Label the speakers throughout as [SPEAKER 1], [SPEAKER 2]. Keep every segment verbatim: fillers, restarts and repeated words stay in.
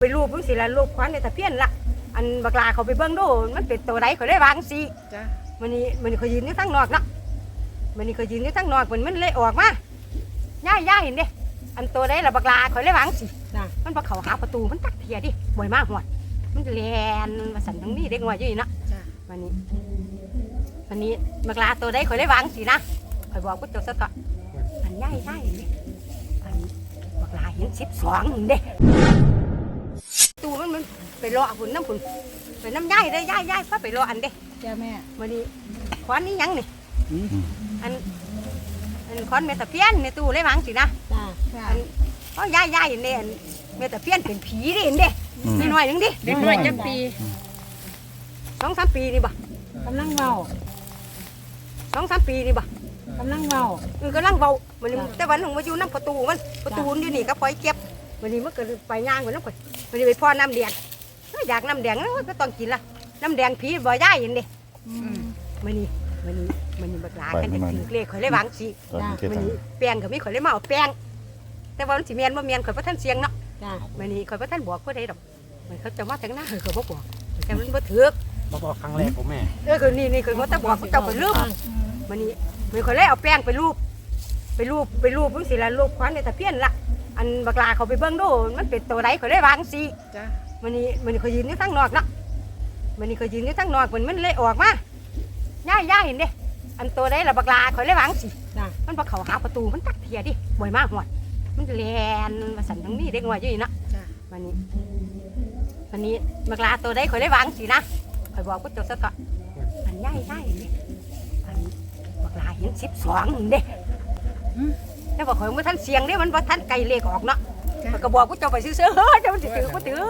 [SPEAKER 1] ไปรูปเพิ่งสิละรูปควันในตะเพียนละอันบักลาเขาไปเบิ้งดูมันเป็นตัวใดเขาได้วางสิจ้ะมันนี่มันนี่เขายืนอยู่ทั้งนอกเนาะมันนี่เขายืนอยู่ทั้งนอกมันมันเลยออกมาย่าย่าเห็นเด้อันตัวใดละบักลาเขาได้วางสิจ้ะมันพอเขาหาประตูมันตักเทียดิบ่อยมากหวดมันแลนมาสั่นทั้งนี้เด็กน้อยอยู่นี่เนาะจ้ะมันนี่มันนี่บักลาตัวใดเขาได้วางสินะคอยบอกกูเจ้าสักก่อนอันย่าย่าเห็นเด้อันบักลาเห็นสิบสองเด้ตูมันมันไปรอหุ่นน้ำหุ่นไปน้ำย่ายได้ย่ายย่ายพาไปรออันเด้จ้าแม่วันนี้ควันนี้ยังนี่อันอันควันเมตาเพี้ยนในตู้เลยมั้งสินะจ้าอันเพราะย่ายย่ายเนี่ยเมตาเพี้ยนเป็นผีดิเห็นเด้นิดหน่อยนึงดิ
[SPEAKER 2] เด็กน้อยจักปี
[SPEAKER 1] สองสามปีนี่บ่
[SPEAKER 2] กำลังเบา
[SPEAKER 1] สองสามปีนี่บ่
[SPEAKER 2] กำลังเบา
[SPEAKER 1] เออกำลังเบามันแต่วันหนึ่งมาอยู่น้ำประตูมันประตูอยู่นี่ก็ปล่อยเก็บวันนี้มันก็ไปย่างไปน้ำก่อนวันนี้ไปพ่อน้ำแดงอยากน้ำแดงก็ต้องกินละน้ำแดงผีบ่ย่ายเห็นเด้วันนี้วันนี้วันนี้บักหลากันจะถือเลขข่อยเลยหวังสิวันนี้แป้งก็มีข่อยเลยมาเอาแป้งแต่ว่ามันสิเมียนว่าเมียนข่อยพระท่านเสียงเนาะวันนี้ข่อยพระท่านบอกผู้ใดดอกมันเขาจะมาถึงหน้าข่อยบ่บอกแต่มันบ่ถือ
[SPEAKER 3] มาบอกครั้งแรกผมแม่
[SPEAKER 1] เออคือนี่นี่ข่อยบ่ต้องบอกเจ้าข่อยลืมวันนี้มันข่อยเลยเอาแป้งไปรูปไปรูปไปรูปเพิ่งสิละรูปควันในตะเพียนละอันบักลาเขาไปเบิ้งดูมันเป็นตัวใดเขาได้วางสิจ้ะมันนี่มันเขายืนอยู่ทั้งนอกเนาะมันนี่เขายืนอยู่ทั้งนอกมันมันเลยออกมาย่าย่าเห็นเด้อันตัวใดละบักลาเขาได้วางสิจ้ะมันพอเขาหาประตูมันตักเทียดิบ่อยมากหวดมันแลนมาสั่นทั้งนี้เด็กน้อยอยู่นี่เนาะจ้ะมันนี่มันนี่บักลาตัวใดเขาได้วางสินะคอยบอกกูเจ้าสักก่อนอันย่าย่าเห็นเด้อันบักลาเห็นสิบสองเด้แล้วบอกข่อยว่าท่านเสียงนี่มันว่าท่านไก่เลขออกเนาะมันก็บอกกูเจ้าไปซื้อๆเฮ้ยเจ้ามันจะถือกูถือ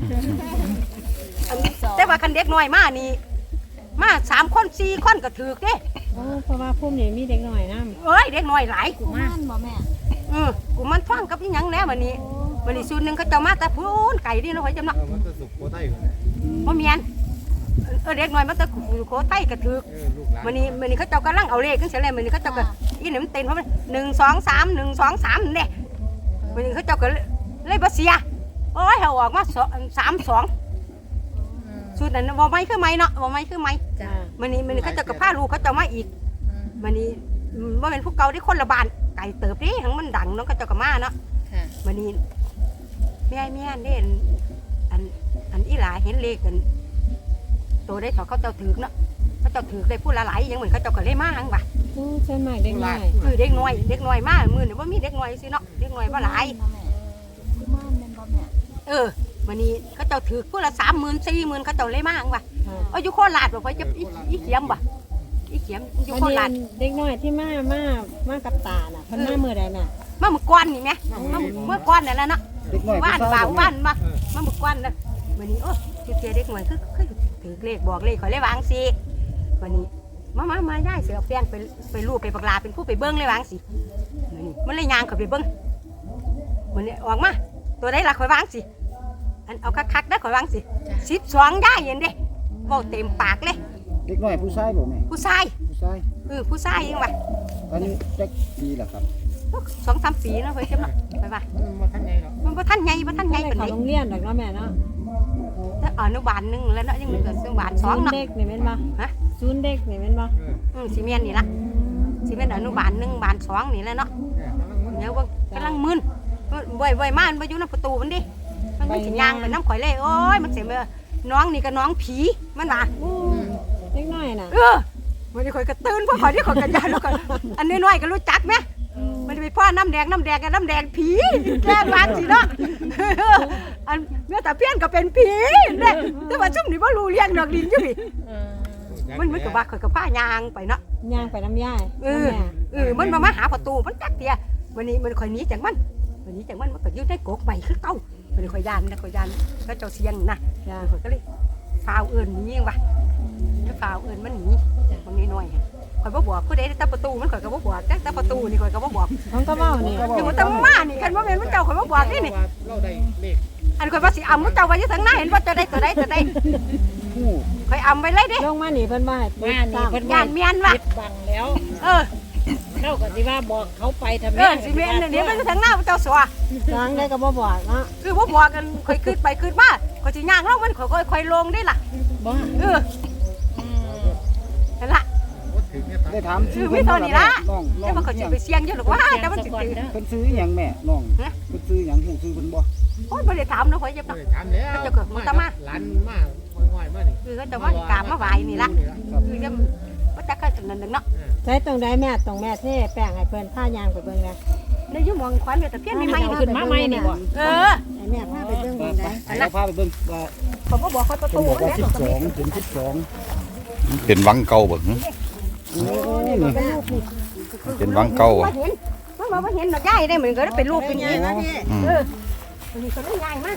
[SPEAKER 1] แต่ว่าคันเด็กน้อยมานี่มาสามคนสี่คนก็ถือเด้
[SPEAKER 2] เพราะว่าพุ่มนี่มีเด็กน้อยนะ
[SPEAKER 1] เอ้ยเด็กน้อยหลาย
[SPEAKER 4] กูมันบ่แม่
[SPEAKER 1] อือกูมันฟังกับยังแน่วันนี้วันนี้ส่วนหนึ่งเขาเจ้ามาแต่พูนไก่นี่นะข่อยจำเนาะ
[SPEAKER 3] มันจะสุกโคไต้
[SPEAKER 1] บ่เมียนเออเด็กน้อยมันจะโคไต้ก็ถือวันนี้วันนี้เขาเจ้ากำลังเอาเลขขึ้นเสียเลยวันนี้เขาเจ้าก็อีนี่มันเต็มเพราะมันหนึ่งสองสามหนึ่งสองสามเนี่ยวันนี้เขาเจ้าก็เลยบาเสียโอ้ยเขาออกมาสามสองสุดนั้นว่าไม่คือไม่เนาะว่าไม่คือไม่วันนี้วันนี้เขาเจ้าก็พาลูกเขาเจ้ามาอีกวันนี้ว่าเป็นพวกเก่าที่คนละบานไก่เติบดิทั้งมันดังน้องเขาเจ้าก็มาเนาะวันนี้แม่แม่เนี่ยอันอันอีหลาเห็นเลขกันตัวได้เขาเขาเจ้าถือเนาะเขาเจ้าถือได้พูดละหลายยังเหมือนเขาเจ้าก็เลยมาหังบ่
[SPEAKER 2] ใช่ไหมเด็กน้อย
[SPEAKER 1] คือเด็กน้อยเด็กน้อยมากมือเนี่ยว่ามีเด็กน้อยสิเนาะเด็กน้อยว่าหลายเออวันนี้เขาเจ้าถือพูดละสามหมื่นสี่หมื่นเขาเจ้าเลยมาหังบ่เอาอยู่โคราชบ่ไปจะอีเขียมบ่อีเขียมอยู่โคราช
[SPEAKER 2] เด็กน้อยที่มามามากับตาน่ะเพิ่นมาเมื่อใดแม่
[SPEAKER 1] มาเมื่อก่อนนี่แม่มาเมื่อก่อนนั่นแหละเนาะบ้านบ่าวบ้านมามาเมื่อก่อนน่ะวันนี้โอ้คือเจเด็กน้อยคือคือถือเลขบอกเลขขอเลยวางสิวันนี้มามามาย่ายเสือแป้งไปไปรูปไปปากลาเป็นผู้ไปเบิ้งเลยวางสิวันนี้มันเลยยางเขาไปเบิ้งวันนี้ออกมาตัวได้ละขอยวางสิอันเอาคักๆได้ขอยวางสิสิบสองย่ายเห็นเด้บอกเต็มปากเลย
[SPEAKER 3] เด็กน้อยผู้ชายบ่แม่
[SPEAKER 1] ผู้ชาย
[SPEAKER 3] ผู้ชาย
[SPEAKER 1] เออผู้ชายยังไง
[SPEAKER 3] ตอนนี้จักปีละครับ
[SPEAKER 1] สองสามปีแล้วเฮ้ยใช่ไหมไปป่ะ
[SPEAKER 3] มันท่านใหญ่หรอ
[SPEAKER 1] มันท่านใหญ่มันท่านใหญ่เป็น
[SPEAKER 2] เด็กโรงเรียนเด็กน้อยแม่เนาะ
[SPEAKER 1] อนุบาลหนึ่งแล้วเนาะยังเหลืออนุบาลสองเนาะ
[SPEAKER 2] เด็กนี่เป็นบ่ฮะศูนย์เด็กนี่เป็นบ่
[SPEAKER 1] อืมซีเมนนี่ละซีเมนอนุบาลหนึ่งบาลสองนี่แล้วเนาะเนี่ยว่ากำลังมึนบ่อยบ่อยมากมันไปอยู่ในประตูมันดิมันไม่ถึงยางเป็นน้ำข่อยเลยโอ้ยมันเสียมือน้องนี่กับน้องผีมันว่า
[SPEAKER 2] เล็กน้อยน่ะ
[SPEAKER 1] เออมันจะข่อยกระตื้นเพราะข่อยที่ข่อยกระยานแล้วกันอันน้อยๆก็รู้จักไหมมันจะไปพ่อน้ำแดงน้ำแดงกับน้ำแดงผีแก้วางสิเนาะอันเมื่อแต่เพี้ยนก็เป็นผีเนี่ยแต่ว่าชุ่มนี่ว่ารู้เลี้ยงดอกดินอยู่ดิมันมันกับว่าข่อยกับผ้ายางไปเนาะ
[SPEAKER 2] ยางไปน้ำย่าย
[SPEAKER 1] เออเออมันมามาหาประตูมันจักเตียวันนี้มันข่อยหนีจากมันวันนี้จากมันมันก็ยืดได้โกกใบคือเก่าวันนี้ข่อยยานนะข่อยยานก็เจ้าเสียงนะข่อยก็เลยฟาวเอิญหนีว่ะถ้าฟาวเอิญมันหนีบางนิดหน่อยข่อยบ่บอกผู้ใดแต่ประตูมันข่อยก็บ่บอกแต่ประตูนี่ข่อยก็บ่บอก
[SPEAKER 2] มันก็เว้านี่
[SPEAKER 1] อยู่มันตำมานี่คันว่าแม่นมันเจ้าข่อยบ่บอกนี่นี่
[SPEAKER 3] เราได้เลข
[SPEAKER 1] อันข่อยว่าสิอำมันเจ้าไว้อยู่ทางหน้าเห็นว่าจะได้ตัวใดตัวใดข่อยอำไว้เลยเด้
[SPEAKER 2] ลงมานี่เพิ่นว่า
[SPEAKER 4] มานี่เพิ่น
[SPEAKER 1] ย่านเมียนว่ะ
[SPEAKER 4] ปิดบังแล้ว
[SPEAKER 1] เออ
[SPEAKER 2] เราก็สิว่าบอกเขาไปทำ
[SPEAKER 1] เออสิแม่นเดี๋ยวมันทางหน้าเจ้าสัว
[SPEAKER 2] ทางได้ก็บ่บอกเนาะ
[SPEAKER 1] คือบ่บอกกันค่อยขึ้นไปขึ้นมาก็สิย่างลงมันค่อยค่อยลงได้ล่ะ
[SPEAKER 2] บ่
[SPEAKER 1] เออนั่นล่ะ
[SPEAKER 3] ได้ถาม
[SPEAKER 1] คือไม่เท่านี้ละ
[SPEAKER 3] น้องน้อ
[SPEAKER 1] แต่
[SPEAKER 3] ง
[SPEAKER 1] ว่าเขาสิไปเสี่ยงอยู่หรอกว่าแต่มันสิตื่น
[SPEAKER 3] เพิ่นซื้อหยังแม่น้องเพิ่นซื้อหยังฮู้ซื้อเพิ่นบ่
[SPEAKER 1] โอ้ยบ่ได้ถามนะข่อยเจ็บ
[SPEAKER 4] ไม่
[SPEAKER 1] ดอก
[SPEAKER 4] ได้ถามแล้ว
[SPEAKER 1] เจ้าเกิดมันตะมา
[SPEAKER 4] หลานมาง่อยๆมานี่
[SPEAKER 1] คือเขาจะมากราบมาไหว้นี่ล่ะคือจะบ่จักกันนั่นนึงเนาะ
[SPEAKER 2] ใช้ตรงใดแม่ตรงแม่เท่แป้งให้เพิ่นผ้ายางไปเบิ่งนะ
[SPEAKER 1] ในอยู่หมองขวัญเนี่ยตะเพียนมีไม้
[SPEAKER 2] เอาขึ้นมาใหม่นี่บ่
[SPEAKER 1] เออ
[SPEAKER 2] ให้แม่พาไปเบิ่ง
[SPEAKER 3] ไป
[SPEAKER 2] เบิ่ง
[SPEAKER 3] ไป
[SPEAKER 2] ได้
[SPEAKER 3] เราพาไปเบิ่งว่า
[SPEAKER 1] ผมก็บอกเขาประ
[SPEAKER 3] เพิ่
[SPEAKER 1] ตู
[SPEAKER 3] นบอกว่า
[SPEAKER 1] แล้ว
[SPEAKER 3] สิบ
[SPEAKER 1] ก็
[SPEAKER 3] ส
[SPEAKER 1] มี
[SPEAKER 3] องถึงสิบสอง
[SPEAKER 5] เป็นวังเก่าเบิ่ง
[SPEAKER 3] โอ้นี่นี่
[SPEAKER 1] เป็นรูปนี่
[SPEAKER 5] เป็นวังเก่า
[SPEAKER 1] บ่
[SPEAKER 5] อ่ะ
[SPEAKER 1] เห็นมันบอกว่าเห็นดอกใหญ่ได้เหมือนก็ได้เป็นรูปเป็นอย่างนี้
[SPEAKER 5] อืม
[SPEAKER 1] เออมันนี่ก็ได้ใหญ่มาก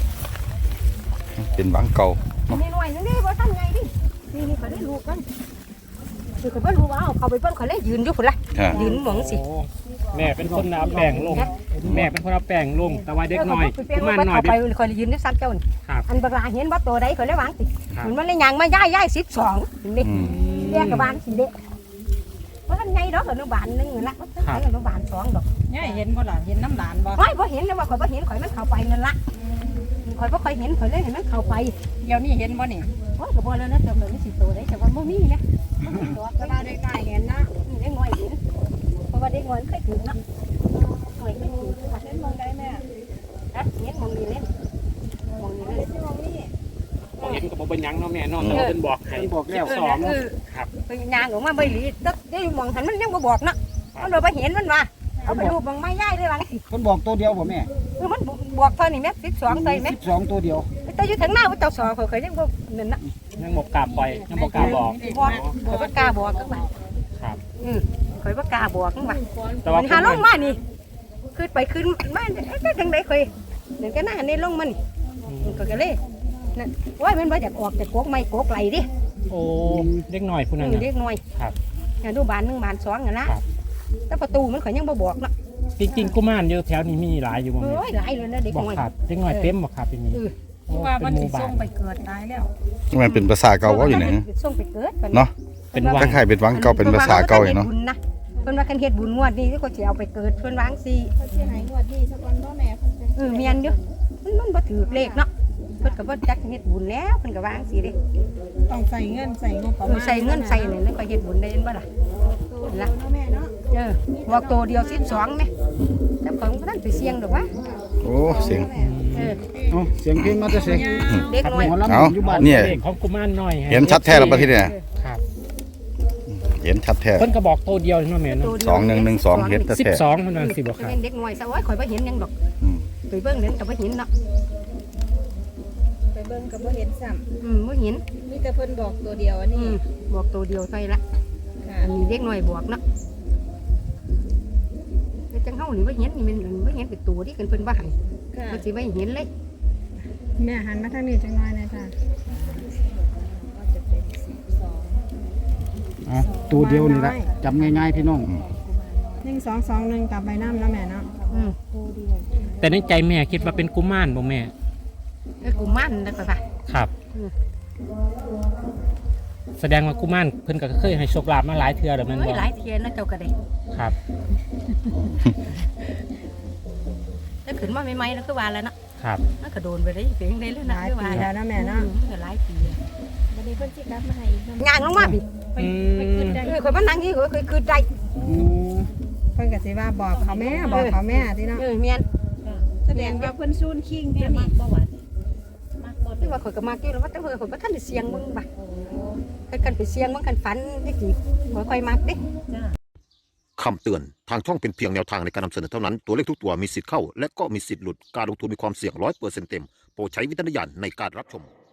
[SPEAKER 5] เป็นวังเก่า
[SPEAKER 1] นี่หน่อยนึงนี่บ่ทันใหญ่ดินี่นี่ก็ได้รูปกันคือก็บ่รู้ว่าเอาเขาไปเบิ่งเขาเลยยืนอยู่พุ่นล่ะ
[SPEAKER 5] อ่า
[SPEAKER 1] ยืนหมองสิ
[SPEAKER 6] แม่เป็นคนเอาแป้งลง แม่เป็นคนเอาแป้งลง แต่ว่าเด็กน้อย
[SPEAKER 1] เออ
[SPEAKER 6] กุ
[SPEAKER 1] เขา
[SPEAKER 6] มาร
[SPEAKER 1] ไป
[SPEAKER 6] น้อย
[SPEAKER 1] เขา
[SPEAKER 6] เป็
[SPEAKER 1] ไป
[SPEAKER 6] น
[SPEAKER 1] คอยยืนอยู่ซ้ำเจ้านี่
[SPEAKER 6] ครับ
[SPEAKER 1] อันบักลาเห็นบ่ตัวใดเขาเลยวางสิ
[SPEAKER 6] ครับ
[SPEAKER 1] มันมันเลยยางมาย่ายย่ายสิบสองนี่
[SPEAKER 5] อืม
[SPEAKER 1] เรียกกับบานสิเด็กเพราะท่านไงดอกอนุบาลหนึงนั่นละเพราะท่านอนุบาลสองดอก
[SPEAKER 2] ย่าเห็นบ่ล่ะเห็นน้ำหลานบ่
[SPEAKER 1] ข่อยบ่เห็นเลยว่าข่อยบ่เห็นข่อยมันเข้าไปนั่นละข่อยบ่ค่อยเห็นข่อยเลยเห็นมันเข้าไป
[SPEAKER 2] เดี๋ยวนี้เห็นบ่นี่
[SPEAKER 1] โอ้ยก็บ่แล้วนะเจ้าเลยสิตัวใดแต่ว่าบ่มีนะบ่มีดอก
[SPEAKER 2] ก็ได้ได้เห็นนะ
[SPEAKER 1] เด็กน้อยเห็นเพราะว่าเด็กน้อยมันเคยถือเนาะข่อยเคยถือว่า
[SPEAKER 2] เห็นมองได้แม่
[SPEAKER 1] ฮะเห็นมองนี่เล่นมองนี่เล่น
[SPEAKER 2] มองนี่
[SPEAKER 6] บ่เห็นก็บ่เป็นหยังเนาะแม่เนาะแต่ว่าเพิ่นบอกให้
[SPEAKER 3] เพิ่นบอกแล้ว
[SPEAKER 6] สอง
[SPEAKER 1] เออ
[SPEAKER 6] ครับ
[SPEAKER 1] ไปยางออกมาใบหลีตึ๊กได้มองหันมันยังบ่บอกเนาะเอาเราไปเห็นมันว่าเอาไปรูปบางไม้ย่ายได้หลังสิ
[SPEAKER 3] เพิ่นบอกตัวเดียวบ่แม่
[SPEAKER 1] เออมันบวกเท่านี้แม่สิบสองใส่แม่
[SPEAKER 3] สิบสองตัวเดียว
[SPEAKER 1] แต่อยู่ทางหน้าว่าเจ้าสองเขาเคยยังบ่นั่นนะ
[SPEAKER 6] ยังบ่กล้าปล่อยยังบ่กล้าบอก
[SPEAKER 1] บอกข่อยบ่กล้าบอกกันว่า
[SPEAKER 6] ครับ
[SPEAKER 1] อือข่อยบ่กล้าบอกกันว่า
[SPEAKER 6] แต่ว่า
[SPEAKER 1] มันหาลงมานี่ขึ้นไปขึ้นมาเอ๊ะจังได๋ข่อยเดี๋ยวก็หน้านี่ลงมานี่มันก็ก็เลยนั่นโอ้ยมันบ่อยากออกแต่กกไม้กกไหลดิ
[SPEAKER 6] โอ้เด็กน้อยผู้นั้น
[SPEAKER 1] อือ
[SPEAKER 6] น่ะ
[SPEAKER 1] เด็กน้อย
[SPEAKER 6] ครับ
[SPEAKER 1] อนุบาลหนึ่งบาลสองอะนะครับ แต่ประตูมันข่อยยังบ่บอกเนาะ
[SPEAKER 6] จริงๆกุมารอยู่แถวนี้มีหลายอยู่บ่แม่
[SPEAKER 1] โอ้ยหลายเลยนะเด็ก
[SPEAKER 6] บอก
[SPEAKER 1] น้อย
[SPEAKER 6] ครับเด็กน้อยเต็มบ่ครับที่นี่
[SPEAKER 1] เออ
[SPEAKER 6] โอ้
[SPEAKER 2] ว่า
[SPEAKER 6] เป็
[SPEAKER 2] มัน น
[SPEAKER 6] ห
[SPEAKER 2] สิ
[SPEAKER 6] มู่บ้า
[SPEAKER 2] ส่
[SPEAKER 6] น
[SPEAKER 2] งไปเกิดตายแล้ว
[SPEAKER 5] มันเป็นภาษาเก่าว่าอยู่ไหน
[SPEAKER 1] ส่งไปเกิด
[SPEAKER 5] เนาะ
[SPEAKER 6] เป็นวั
[SPEAKER 5] ค
[SPEAKER 6] ง
[SPEAKER 5] ล้ายๆเป็นวังเก่าเป็นภาษาเก่าอยู่เนาะ
[SPEAKER 1] เพิ่นว่าคันเฮ็ดบุญงวดนี้ก็สิเอาไปเกิดเพิ่นวางสิ
[SPEAKER 2] เขาสิให้งวดนี้สักวันบ่แม่เพิ่นจะ
[SPEAKER 1] เออเมียนอยู่มันมันบ่ถือเลขเนาะเพิ่นก็บ่จักเฮ็ดบุญแล้วเพิ่นก็วางสิเด้
[SPEAKER 2] ต้องใส่เงินใส่งบประ
[SPEAKER 1] เอ
[SPEAKER 2] มา
[SPEAKER 1] อ
[SPEAKER 2] ณ
[SPEAKER 1] ใส่เงินใส่นี่แล้วก็เฮ็ดบุญได้เห็นบ่ล่ะ
[SPEAKER 2] ตัวเดียวเนาะแม่เนาะ
[SPEAKER 1] เออบอกตัวเดียวสิบสองแม่แต่ของบ่ทันไปเสี่ยงดอกวะ
[SPEAKER 5] โอ้เสียง
[SPEAKER 1] เออ
[SPEAKER 3] เอ้าเสียงเพลงมาแต่เสียง
[SPEAKER 1] เด็กน้อย
[SPEAKER 3] หมอลำ
[SPEAKER 5] เอา
[SPEAKER 3] อยู่บ้าน
[SPEAKER 5] เนี่ย
[SPEAKER 6] เลขของกุมารน้อย
[SPEAKER 5] เห็นชัดแท้แล้วประเทศเนี่ย
[SPEAKER 6] ครับ
[SPEAKER 5] เห็นชัดแท้
[SPEAKER 6] เพิ่นก็บอกตัวเดียวเนาะแม่เนาะ
[SPEAKER 5] สองหนึ่งหนึ่งสองเห็นแท้
[SPEAKER 6] สิบสองเท่านั้นสิบ่ครับ
[SPEAKER 1] เป็นเด็กน้อยซะโอ้ยข่อยบ่เห็นหยังดอก
[SPEAKER 5] อืม
[SPEAKER 1] ไปเบิ่งเห็นก็บ่เห็นเนาะ
[SPEAKER 2] ไปเบิ่งก็บ่เห็นซ้ำ
[SPEAKER 1] อืมบ่เห็น
[SPEAKER 2] มีแต่เพิ่นบอกตัวเดียวอัน
[SPEAKER 1] อื
[SPEAKER 2] นี้
[SPEAKER 1] มบอกตัวเดียวเท่านั้นละ
[SPEAKER 2] ค่ะ
[SPEAKER 1] อันนี้เด็กน้อยบอกเนาะแต่จังเฮานี่บ่เห็นนี่มันบ่เห็นเป็นตัวที่เพิ่นว่าให้
[SPEAKER 2] ค่ะ
[SPEAKER 1] มันสิบ่เห็นเลย
[SPEAKER 2] แม่หันมาทางนี้จังน้อยหน่อยค่ะก็จะเป็นสิบสอง
[SPEAKER 3] อ่ะตัวเดียวนี่ละจำง่ายๆพี่น้อง
[SPEAKER 2] หนึ่งสองสองหนึ่งกลับใบน้ำแล้วแม่เนาะ
[SPEAKER 1] อืม
[SPEAKER 6] แต่ในใจแม่คิดว่าเป็นกุมารบ่แม่
[SPEAKER 1] เออกูมันแล้วก็ว่า
[SPEAKER 6] ครับ
[SPEAKER 1] อืม
[SPEAKER 6] แสดงว่ากุมารเพิ่นก็เคยให้โชคลาภมาหลายเทื่อแล้วแม่น
[SPEAKER 1] เฮ้ย
[SPEAKER 6] บ่
[SPEAKER 1] หลายเทียนแล้วเจ้าก็ได้
[SPEAKER 6] ครับ
[SPEAKER 1] แล้วขึ้นมาใหม่ๆแล้วคือว่าแล้วเนาะ
[SPEAKER 6] ครับ
[SPEAKER 1] มันก็โดนไปได้เพียงได้แล้ว
[SPEAKER 2] ห
[SPEAKER 1] นะ
[SPEAKER 2] ลาย
[SPEAKER 1] คือ
[SPEAKER 2] ปี
[SPEAKER 1] ว่า
[SPEAKER 2] แล้วนะแม่เนาะ
[SPEAKER 1] อืมมันก็หลายปีแล้ว
[SPEAKER 2] วันนี้เพิ่นสิกลับมาให้อีกเนาะ
[SPEAKER 1] ย่างลงมาพี่
[SPEAKER 6] อืม
[SPEAKER 1] เออข่อยมานั่งอยู่ข่อยเคยคือได้
[SPEAKER 3] อืม
[SPEAKER 2] เพิ่นก็สิว่าบอกเขาแม่บอกเขาแม่ที่เนาะ
[SPEAKER 1] เออเมียน
[SPEAKER 2] แสดงว่าเพิ่นซูนคิงตัวนี้ประวัติ
[SPEAKER 1] คือว่าข่อยก็มากี่แล้วว่าแต่ข่อยข่อยบ่ทันได้เสียงมึงบ่คันกันไปเสียงมึงกันฝันจังซี่ข่อยค่อยมักเด้
[SPEAKER 7] คำเตือน ทางช่องเป็นเพียงแนวทางในการนำเสนอเท่านั้น ตัวเลขทุกตัวมีสิทธิ์เข้า และก็มีสิทธิ์หลุด การลงทุนมีความเสี่ยงร้อยเปอร์เซ็นต์เต็ม โปรดใช้วิจารณญาณในการรับชม